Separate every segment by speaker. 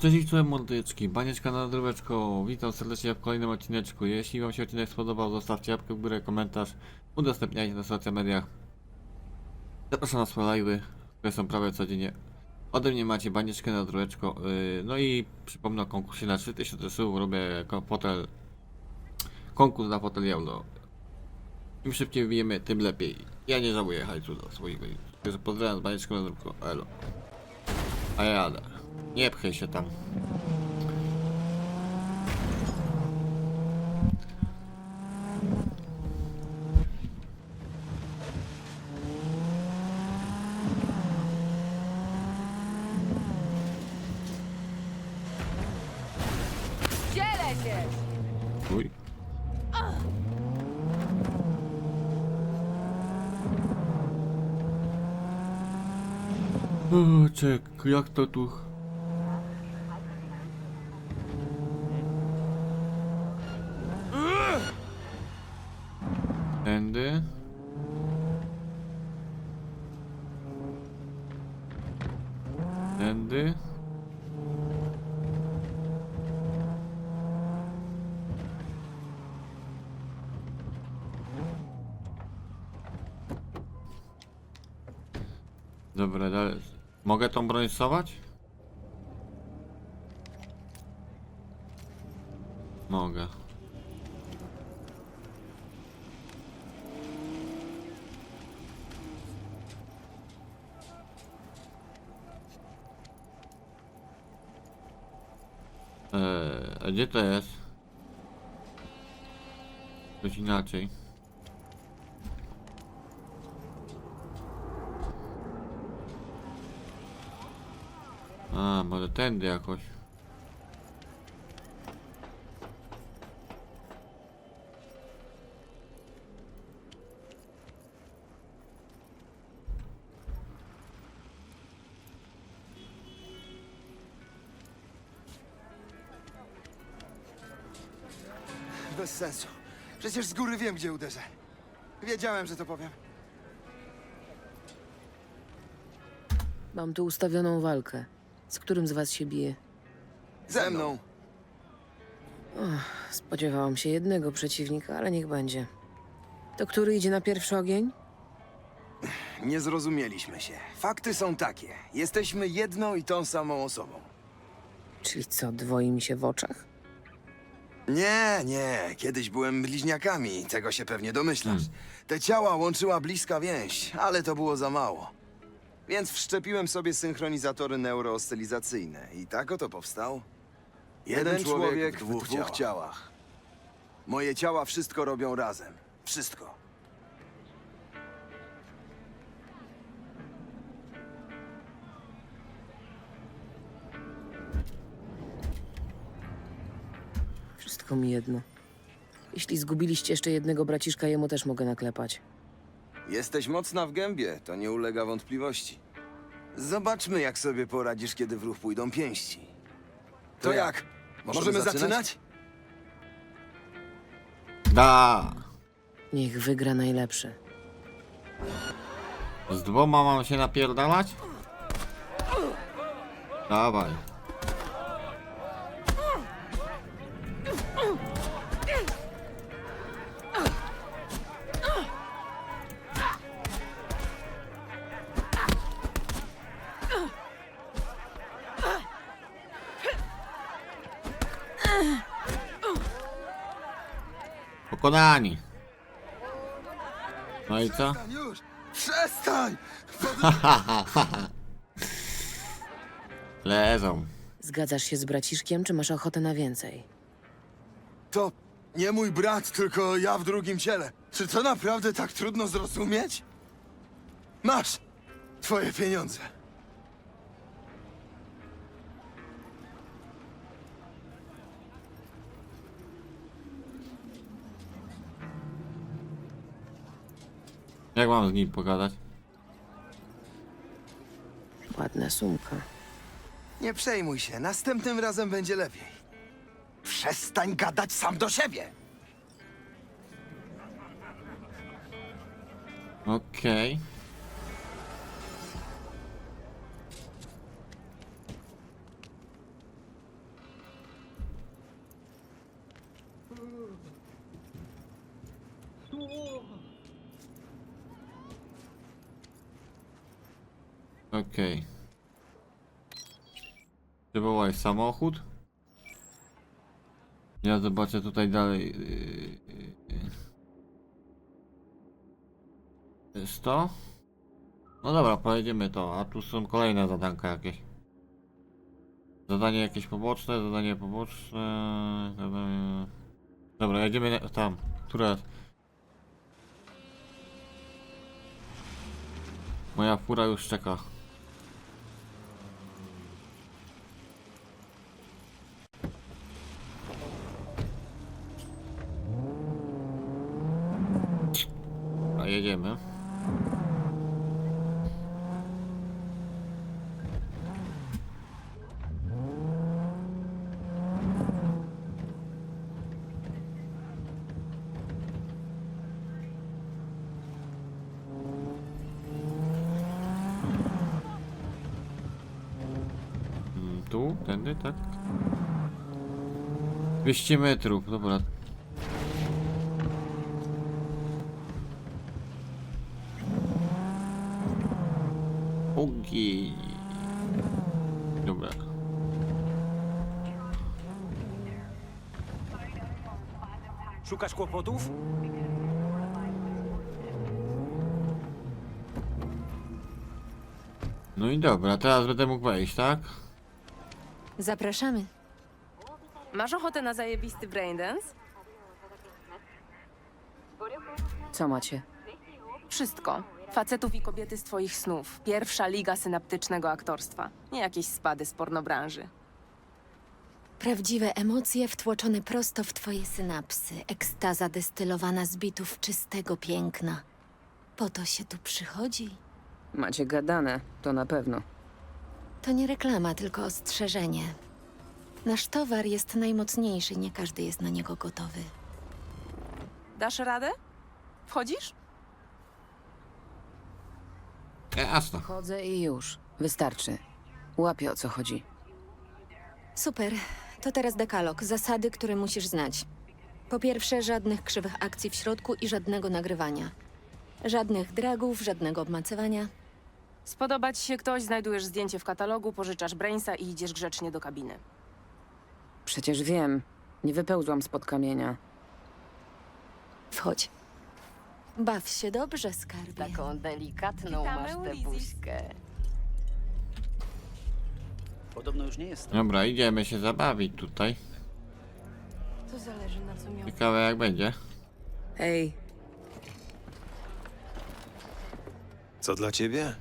Speaker 1: Cześć, czołem mordyczki, banieczka na dróweczko, witam serdecznie w kolejnym odcineczku. Jeśli wam się odcinek spodobał, zostawcie łapkę w górę, komentarz, udostępniajcie na social mediach. Zapraszam na swoje live'y, które są prawie codziennie. Ode mnie macie banieczkę na dróweczko, no i przypomnę o konkursie na 3000 słów, robię konkurs na fotel euro. Im szybciej wbijemy, tym lepiej. Ja nie żałuję hajsu do swoich godzin. Także pozdrawiam z banieczką na dróweczko, elo. A ja jadę. Nie pchaj się tam.
Speaker 2: Dzielę się!
Speaker 1: Uj. O, czek, jak to tu? Tędy. Tędy. Dobra, dalej. Mogę tą broń stosować? Mogę. A gdzie to jest? Coś inaczej. A, może tędy jakoś.
Speaker 3: Bez sensu. Przecież z góry wiem, gdzie uderzę. Wiedziałem, że to powiem.
Speaker 2: Mam tu ustawioną walkę. Z którym z was się bije?
Speaker 3: Ze mną.
Speaker 2: Spodziewałam się jednego przeciwnika, ale niech będzie. To który idzie na pierwszy ogień?
Speaker 3: Nie zrozumieliśmy się. Fakty są takie. Jesteśmy jedną i tą samą osobą.
Speaker 2: Czyli co, dwoi mi się w oczach?
Speaker 3: Nie. Kiedyś byłem bliźniakami. Tego się pewnie domyślasz. Te ciała łączyła bliska więź, ale to było za mało. Więc wszczepiłem sobie synchronizatory neurooscylizacyjne. I tak oto powstał. Jeden człowiek w dwóch ciałach. Moje ciała wszystko robią razem. Wszystko.
Speaker 2: Wszystko mi jedno. Jeśli zgubiliście jeszcze jednego braciszka, jemu też mogę naklepać.
Speaker 3: Jesteś mocna w gębie, to nie ulega wątpliwości. Zobaczmy, jak sobie poradzisz, kiedy w ruch pójdą pięści. To jak? Możemy zaczynać?
Speaker 1: Da!
Speaker 2: Niech wygra najlepszy.
Speaker 1: Z dwoma mam się napierdalać? Dawaj. Pokonani. No i co?
Speaker 3: Już! Przestań!
Speaker 1: Leżą.
Speaker 2: Zgadzasz się z braciszkiem, czy masz ochotę na więcej?
Speaker 3: To nie mój brat, tylko ja w drugim ciele. Czy to naprawdę tak trudno zrozumieć? Masz twoje pieniądze.
Speaker 1: Jak mam z nim pogadać?
Speaker 2: Ładna sumka.
Speaker 3: Nie przejmuj się, następnym razem będzie lepiej. Przestań gadać sam do siebie!
Speaker 1: Okej. Okej. Przywołaj samochód. Ja zobaczę tutaj dalej. Jest to? No dobra, pojedziemy to, a tu są kolejne zadanka jakieś. Zadanie jakieś poboczne, zadanie poboczne. Zadanie... Dobra, jedziemy tam. Która? Moja fura już czeka. A jedziemy. Tu, tędy, tak? 200 metrów, dobra. Ogień. Dobra.
Speaker 4: Szukasz kłopotów?
Speaker 1: No i dobra, teraz będę mógł wejść, tak?
Speaker 5: Zapraszamy.
Speaker 2: Masz ochotę na zajebisty braindance? Co macie?
Speaker 6: Wszystko. Facetów i kobiety z twoich snów. Pierwsza liga synaptycznego aktorstwa. Nie jakieś spady z pornobranży.
Speaker 5: Prawdziwe emocje wtłoczone prosto w twoje synapsy. Ekstaza destylowana z bitów czystego piękna. Po to się tu przychodzi.
Speaker 2: Macie gadane, to na pewno.
Speaker 5: To nie reklama, tylko ostrzeżenie. Nasz towar jest najmocniejszy, nie każdy jest na niego gotowy.
Speaker 6: Dasz radę? Wchodzisz?
Speaker 1: Jasno.
Speaker 2: Chodzę i już. Wystarczy. Łapię, o co chodzi.
Speaker 5: Super. To teraz dekalog. Zasady, które musisz znać. Po pierwsze, żadnych krzywych akcji w środku i żadnego nagrywania. Żadnych dragów, żadnego obmacywania.
Speaker 6: Spodoba ci się ktoś, znajdujesz zdjęcie w katalogu, pożyczasz brainsa i idziesz grzecznie do kabiny.
Speaker 2: Przecież wiem. Nie wypełzłam spod kamienia.
Speaker 5: Wchodź. Baw się dobrze, skarbie.
Speaker 2: Taką delikatną
Speaker 6: Witamy
Speaker 2: masz
Speaker 6: u
Speaker 2: tę
Speaker 6: Lizzy.
Speaker 2: buźkę.
Speaker 4: Podobno już nie jest.
Speaker 1: Dobra, idziemy się zabawić tutaj.
Speaker 6: To zależy na co miał.
Speaker 1: Ciekawe jak będzie.
Speaker 2: Hej,
Speaker 7: Co dla ciebie?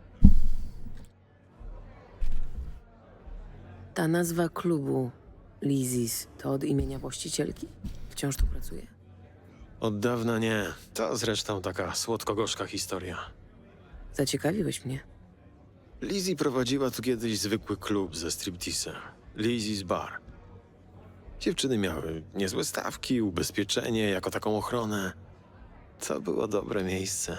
Speaker 2: ta nazwa klubu Lizzie's to od imienia właścicielki? Wciąż tu pracuje?
Speaker 7: Od dawna nie. To zresztą taka słodko-gorzka historia.
Speaker 2: Zaciekawiłeś mnie.
Speaker 7: Lizzie prowadziła tu kiedyś zwykły klub ze stripteasem. Lizzie's Bar. Dziewczyny miały niezłe stawki, ubezpieczenie, jako taką ochronę. To było dobre miejsce.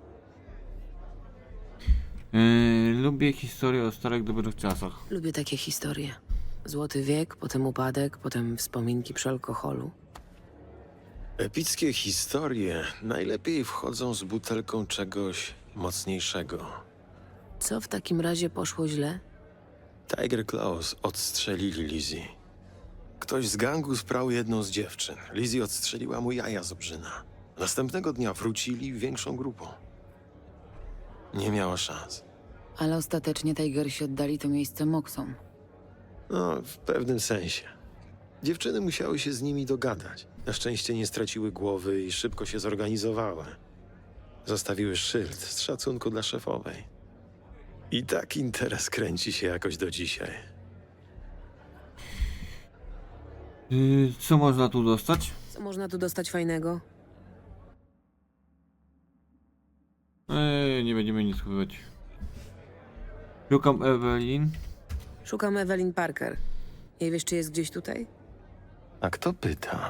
Speaker 1: Lubię historię o starych, dobrych czasach.
Speaker 2: Lubię takie historie. Złoty wiek, potem upadek, potem wspominki przy alkoholu.
Speaker 7: Epickie historie najlepiej wchodzą z butelką czegoś mocniejszego.
Speaker 2: Co w takim razie poszło źle?
Speaker 7: Tiger Claws odstrzelili Lizzie. Ktoś z gangu sprał jedną z dziewczyn. Lizzie odstrzeliła mu jaja z obrzyna. Następnego dnia wrócili większą grupą. Nie miała szans.
Speaker 2: Ale ostatecznie Tigersi oddali to miejsce Moxom.
Speaker 7: No, w pewnym sensie. Dziewczyny musiały się z nimi dogadać. Na szczęście nie straciły głowy i szybko się zorganizowały. Zostawiły szyld z szacunku dla szefowej. I tak interes kręci się jakoś do dzisiaj.
Speaker 1: Co można tu dostać?
Speaker 2: Co można tu dostać fajnego?
Speaker 1: Nie będziemy nic kupować. Szukam Evelyn.
Speaker 2: Szukam Evelyn Parker. Nie wiesz, czy jest gdzieś tutaj?
Speaker 7: A kto pyta?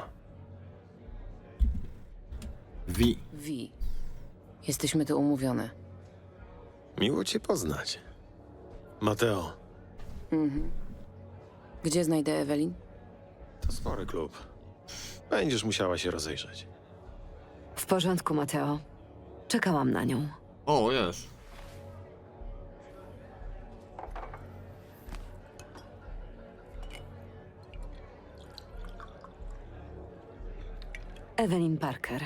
Speaker 1: Wi.
Speaker 2: Wi. Jesteśmy tu umówione.
Speaker 7: Miło cię poznać. Mateo,
Speaker 2: Mhm. Gdzie znajdę Evelyn?
Speaker 7: to spory klub. Będziesz musiała się rozejrzeć.
Speaker 8: W porządku, Mateo. Czekałam na nią.
Speaker 1: O, jest.
Speaker 8: Evelyn Parker.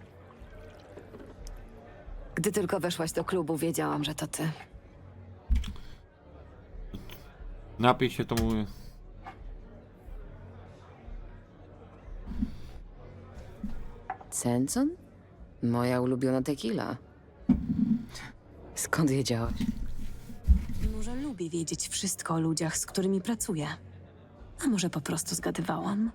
Speaker 8: Gdy tylko weszłaś do klubu, wiedziałam, że to ty.
Speaker 1: Napij się, to mówię.
Speaker 2: Senson? Moja ulubiona tequila. Skąd wiedziałaś?
Speaker 6: Może lubię wiedzieć wszystko o ludziach, z którymi pracuję. A może po prostu zgadywałam?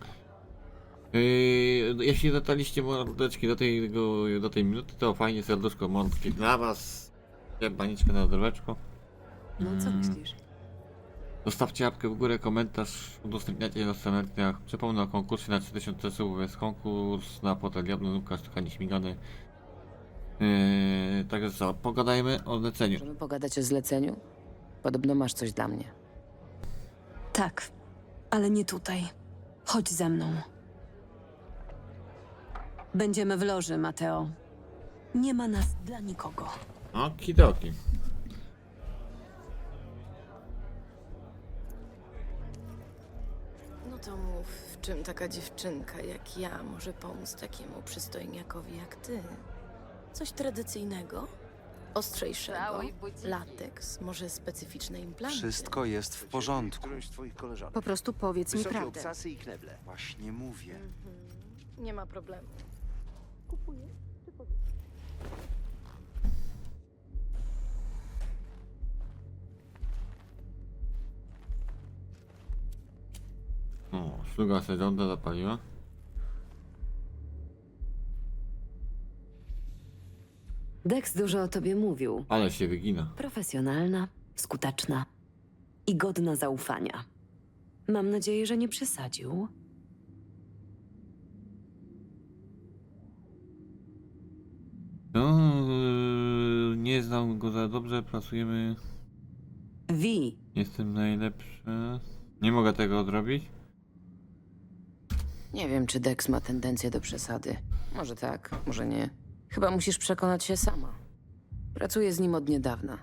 Speaker 1: Jeśli dotarliście mordeczki do tej minuty, to fajnie serduszko mordki dla was. Baniczkę na dreweczko.
Speaker 6: No co myślisz?
Speaker 1: Zostawcie łapkę w górę, komentarz, udostępniacie na stronach. Przypomnę o konkursie na 3000 subów. Jest konkurs na płatę diabły, Łukasz trochę nieśmigany. Także co, pogadajmy o leceniu.
Speaker 2: Możemy pogadać o zleceniu? Podobno masz coś dla mnie.
Speaker 6: Tak, ale nie tutaj. Chodź ze mną. Będziemy w loży, Mateo. Nie ma nas dla nikogo.
Speaker 1: Okidoki.
Speaker 9: No to mów, w czym taka dziewczynka jak ja może pomóc takiemu przystojniakowi jak ty? Coś tradycyjnego? Ostrzejszego? Lateks? Może specyficzne implanty?
Speaker 4: Wszystko jest w porządku.
Speaker 5: Po prostu powiedz mi prawdę.
Speaker 4: Właśnie mówię.
Speaker 9: Nie ma problemu.
Speaker 1: O, szluga sezonda zapaliła.
Speaker 8: Dex dużo o tobie mówił.
Speaker 1: Ale się wygina.
Speaker 8: Profesjonalna, skuteczna i godna zaufania. Mam nadzieję, że nie przesadził.
Speaker 1: No, nie znam go za dobrze, pracujemy.
Speaker 8: Vi,
Speaker 1: Jestem najlepszy. Nie mogę tego odrobić.
Speaker 2: Nie wiem, czy Dex ma tendencję do przesady. Może tak, może nie. Chyba musisz przekonać się sama. Pracuję z nim od niedawna.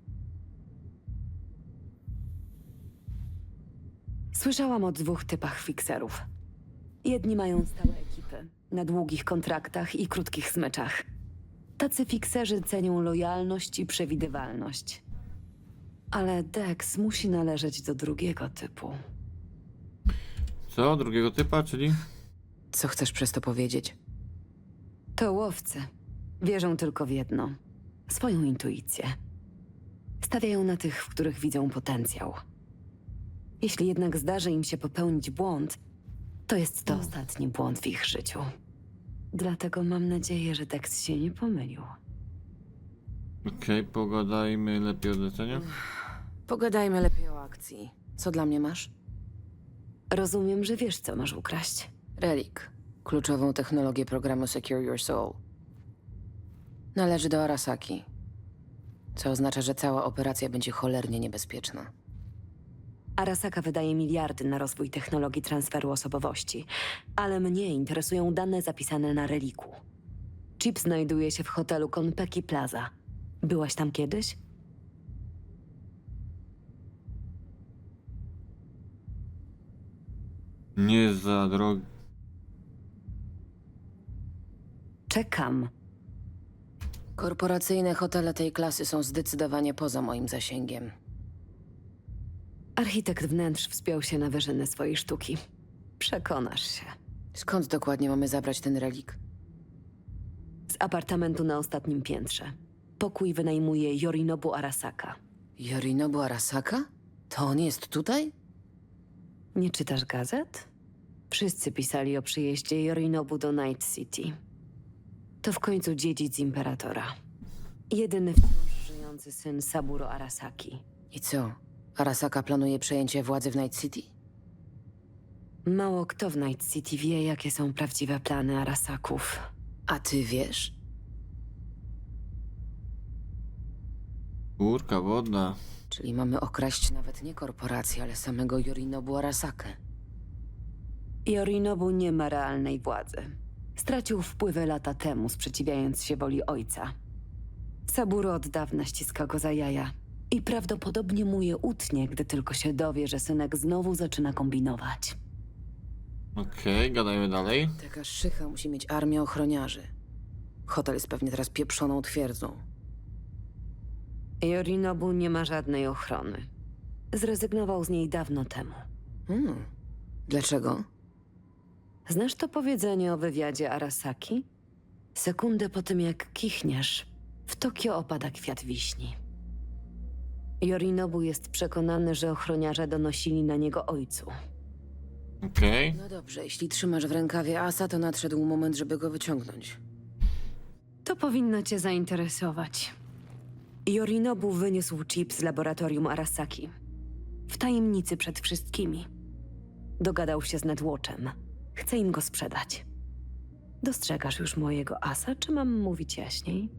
Speaker 8: słyszałam o 2 typach fikserów. Jedni mają stałe ekipy, na długich kontraktach i krótkich smyczach. Tacy fikserzy cenią lojalność i przewidywalność. Ale Dex musi należeć do drugiego typu.
Speaker 1: Co? Drugiego typa, czyli?
Speaker 2: Co chcesz przez to powiedzieć?
Speaker 8: To łowcy. Wierzą tylko w jedno. Swoją intuicję. Stawiają na tych, w których widzą potencjał. Jeśli jednak zdarzy im się popełnić błąd, to jest to ostatni błąd w ich życiu. Dlatego mam nadzieję, że Dex się nie pomylił.
Speaker 1: Okej, pogadajmy lepiej o zleceniu.
Speaker 2: Pogadajmy lepiej o akcji. Co dla mnie masz?
Speaker 8: Rozumiem, że wiesz, co masz ukraść.
Speaker 2: Relik. Kluczową technologię programu Secure Your Soul. Należy do Arasaki. Co oznacza, że cała operacja będzie cholernie niebezpieczna.
Speaker 8: Arasaka wydaje miliardy na rozwój technologii transferu osobowości, ale mnie interesują dane zapisane na reliku. Chip znajduje się w hotelu Konpeki Plaza. Byłaś tam kiedyś?
Speaker 1: Nie za drogi.
Speaker 8: Czekam.
Speaker 2: Korporacyjne hotele tej klasy są zdecydowanie poza moim zasięgiem.
Speaker 8: Architekt wnętrz wspiął się na wyżyny swojej sztuki. Przekonasz się.
Speaker 2: Skąd dokładnie mamy zabrać ten relik?
Speaker 8: Z apartamentu na ostatnim piętrze. Pokój wynajmuje Yorinobu Arasaka.
Speaker 2: Yorinobu Arasaka? To on jest tutaj?
Speaker 8: Nie czytasz gazet? Wszyscy pisali o przyjeździe Yorinobu do Night City. To w końcu dziedzic imperatora. Jedyny wciąż żyjący syn Saburo Arasaki.
Speaker 2: I co? Arasaka planuje przejęcie władzy w Night City?
Speaker 8: Mało kto w Night City wie, jakie są prawdziwe plany Arasaków.
Speaker 2: A ty wiesz?
Speaker 1: Górka wodna.
Speaker 2: Czyli mamy okraść nawet nie korporację, ale samego Yorinobu Arasakę.
Speaker 8: Yorinobu nie ma realnej władzy. Stracił wpływy lata temu, sprzeciwiając się woli ojca. Saburo od dawna ściska go za jaja i prawdopodobnie mu je utnie, gdy tylko się dowie, że synek znowu zaczyna kombinować.
Speaker 1: Okej, gadajmy dalej.
Speaker 2: Taka szycha musi mieć armię ochroniarzy. Hotel jest pewnie teraz pieprzoną twierdzą.
Speaker 8: Yorinobu nie ma żadnej ochrony. Zrezygnował z niej dawno temu.
Speaker 2: Dlaczego?
Speaker 8: Znasz to powiedzenie o wywiadzie Arasaki? Sekundę po tym, jak kichniesz, w Tokio opada kwiat wiśni. Yorinobu jest przekonany, że ochroniarze donosili na niego ojcu.
Speaker 1: Okej.
Speaker 2: No dobrze, jeśli trzymasz w rękawie asa, to nadszedł moment, żeby go wyciągnąć.
Speaker 8: To powinno cię zainteresować. Yorinobu wyniósł chip z laboratorium Arasaki. W tajemnicy przed wszystkimi. Dogadał się z Netwatchem. Chce im go sprzedać. Dostrzegasz już mojego asa, czy mam mówić jaśniej?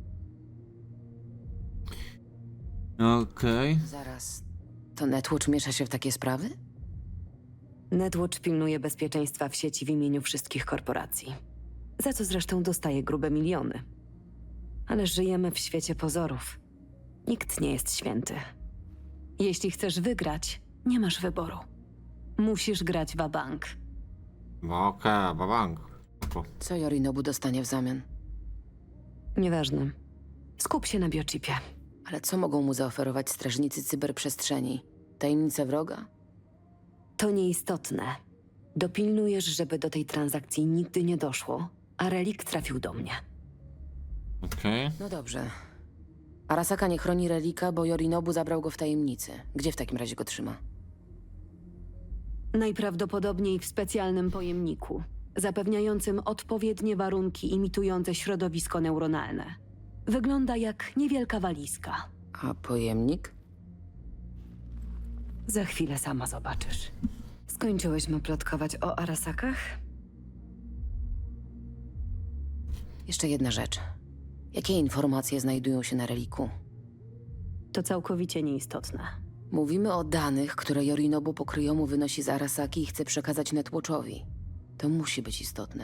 Speaker 1: Okej.
Speaker 2: Zaraz. To Netwatch miesza się w takie sprawy?
Speaker 8: Netwatch pilnuje bezpieczeństwa w sieci w imieniu wszystkich korporacji. Za co zresztą dostaje grube miliony. Ale żyjemy w świecie pozorów. Nikt nie jest święty. Jeśli chcesz wygrać, nie masz wyboru. Musisz grać wabank.
Speaker 1: Okej, babank. Spoko.
Speaker 2: Co Yorinobu dostanie w zamian?
Speaker 8: Nieważne. Skup się na biochipie.
Speaker 2: Ale co mogą mu zaoferować strażnicy cyberprzestrzeni? Tajemnice wroga?
Speaker 8: To nieistotne. Dopilnujesz, żeby do tej transakcji nigdy nie doszło, a relik trafił do mnie.
Speaker 1: Okej.
Speaker 2: No dobrze. Arasaka nie chroni relika, bo Yorinobu zabrał go w tajemnicy. Gdzie w takim razie go trzyma?
Speaker 8: Najprawdopodobniej w specjalnym pojemniku, zapewniającym odpowiednie warunki imitujące środowisko neuronalne. Wygląda jak niewielka walizka.
Speaker 2: A pojemnik?
Speaker 8: Za chwilę sama zobaczysz. Skończyłyśmy plotkować o Arasakach?
Speaker 2: Jeszcze jedna rzecz. Jakie informacje znajdują się na reliku?
Speaker 8: To całkowicie nieistotne.
Speaker 2: Mówimy o danych, które Yorinobu pokryjomu wynosi z Arasaki i chce przekazać Netwatchowi. To musi być istotne.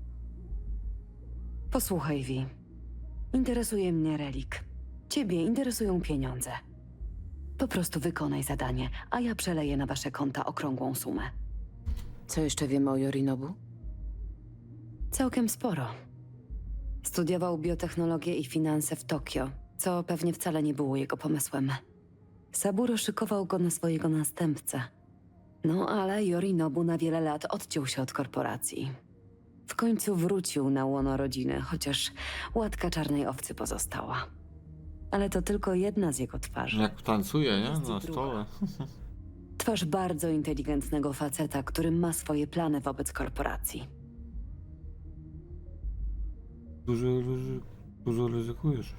Speaker 8: Posłuchaj, Vi. Interesuje mnie relik. Ciebie interesują pieniądze. Po prostu wykonaj zadanie, a ja przeleję na wasze konta okrągłą sumę.
Speaker 2: Co jeszcze wiemy o Yorinobu?
Speaker 8: Całkiem sporo. Studiował biotechnologię i finanse w Tokio, co pewnie wcale nie było jego pomysłem. Saburo szykował go na swojego następcę. No ale Yorinobu na wiele lat odciął się od korporacji. W końcu wrócił na łono rodziny, chociaż łatka czarnej owcy pozostała. Ale to tylko jedna z jego twarzy.
Speaker 1: Jak tancuje, nie?
Speaker 8: Jest
Speaker 1: Na
Speaker 8: druga.
Speaker 1: stole.
Speaker 8: Twarz bardzo inteligentnego faceta, który ma swoje plany wobec korporacji.
Speaker 1: Dużo ryzykujesz.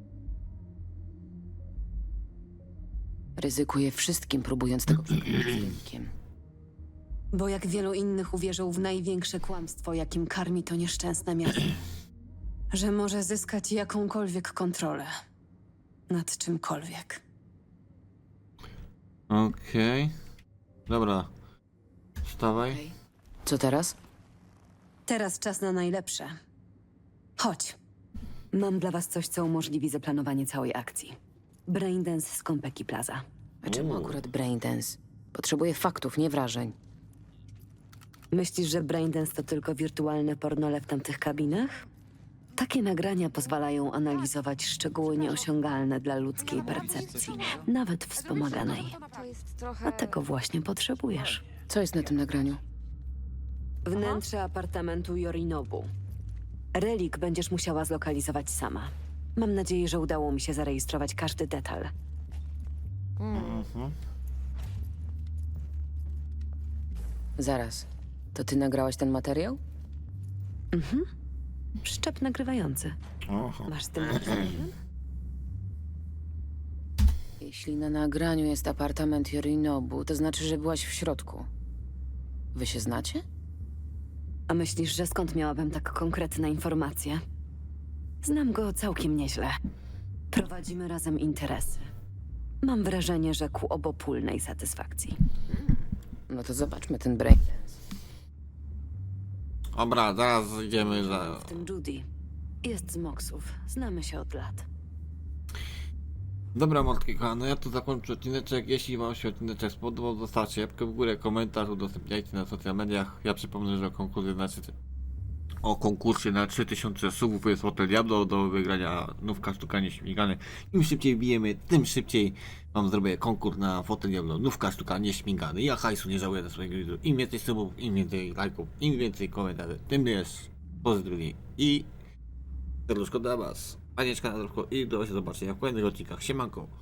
Speaker 2: Ryzykuje wszystkim, próbując tego przekonać z relikiem.
Speaker 8: Bo jak wielu innych uwierzył w największe kłamstwo, jakim karmi to nieszczęsne miasto. Że może zyskać jakąkolwiek kontrolę nad czymkolwiek.
Speaker 1: Okej. Dobra. Wstawaj.
Speaker 2: Co teraz?
Speaker 8: Teraz czas na najlepsze. Chodź. Mam dla was coś, co umożliwi zaplanowanie całej akcji. Braindance z Konpeki Plaza.
Speaker 2: A czemu akurat Braindance? Potrzebuję faktów, nie wrażeń.
Speaker 8: Myślisz, że Braindance to tylko wirtualne pornole w tamtych kabinach? Takie nagrania pozwalają analizować szczegóły nieosiągalne dla ludzkiej percepcji, nawet wspomaganej. A tego właśnie potrzebujesz.
Speaker 2: Co jest na tym nagraniu?
Speaker 8: Wnętrze apartamentu Yorinobu. Relik będziesz musiała zlokalizować sama. Mam nadzieję, że udało mi się zarejestrować każdy detal.
Speaker 2: Zaraz. To ty nagrałaś ten materiał?
Speaker 8: Przyczep nagrywający.
Speaker 1: Oho.
Speaker 8: Masz z tym jakiś problem?
Speaker 2: Jeśli na nagraniu jest apartament Yorinobu, to znaczy, że byłaś w środku. Wy się znacie?
Speaker 8: A myślisz, że skąd miałabym tak konkretne informacje? Znam go całkiem nieźle. Prowadzimy razem interesy. Mam wrażenie, że ku obopólnej satysfakcji.
Speaker 2: No to zobaczmy ten Braindance.
Speaker 1: Dobra, zaraz idziemy za...
Speaker 8: W tym Judy. Jest z Moksów. Znamy się od lat.
Speaker 1: Dobra, mordki kochane, ja tu zakończę odcineczek. Jeśli wam się odcineczek spodobał, zostawcie łapkę w górę, komentarz, udostępniajcie na social mediach. Ja przypomnę, że o konkursie na 3000 subów jest Hotel Diablo do wygrania nówka sztuka nieśmigany. Im szybciej bijemy, tym szybciej wam zrobię konkurs na Hotel Diablo nówka sztuka nieśmigany. Ja hajsu nie żałuję za swojego widzów. Im więcej subów, im więcej lajków, im więcej komentarzy, tym jest pozytywniej. I serduszko dla was. Panieczka na drogę i do zobaczenia w kolejnych odcinkach. Siemanko.